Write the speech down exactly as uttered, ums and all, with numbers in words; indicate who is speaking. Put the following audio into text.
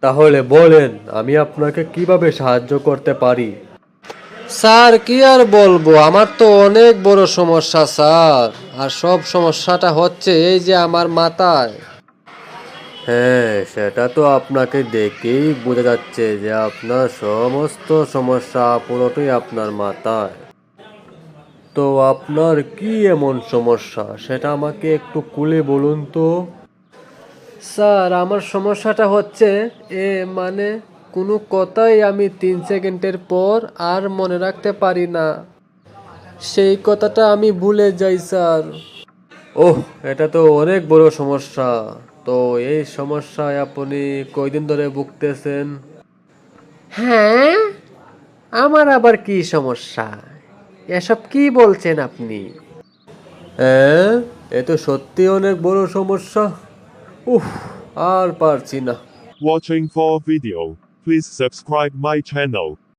Speaker 1: তাহলে বলেন আমি আপনাকে কিভাবে সাহায্য করতে পারি?
Speaker 2: স্যার কি আর বলবো, আমার তো অনেক বড় সমস্যা স্যার। আর সব সমস্যাটা হচ্ছে এই যে আমার মাথায়।
Speaker 1: হ্যাঁ, সেটা তো আপনাকে দেখেই বোঝা যাচ্ছে যে আপনার সমস্ত সমস্যা পুরোটাই আপনার মাথায়। তো আপনার কি এমন সমস্যা সেটা আমাকে একটু খুলে বলুন তো।
Speaker 2: স্যার আমার সমস্যাটা হচ্ছে এ মানে কোনো কথাই আমি তিন সেকেন্ডের পর আর মনে রাখতে পারি না। সেই কথাটা আমি ভুলে যাই স্যার।
Speaker 1: ওহ, এটা তো অনেক বড় সমস্যা। তো এই সমস্যায় আপনি কয়দিন ধরে ভুগতেছেন?
Speaker 2: হ্যাঁ, আমার আবার কি সমস্যা? এসব কি বলছেন আপনি?
Speaker 1: হ্যাঁ, এ তো সত্যি অনেক বড় সমস্যা। উফ, আর পারছি না।
Speaker 3: Watching for video. Please subscribe my channel.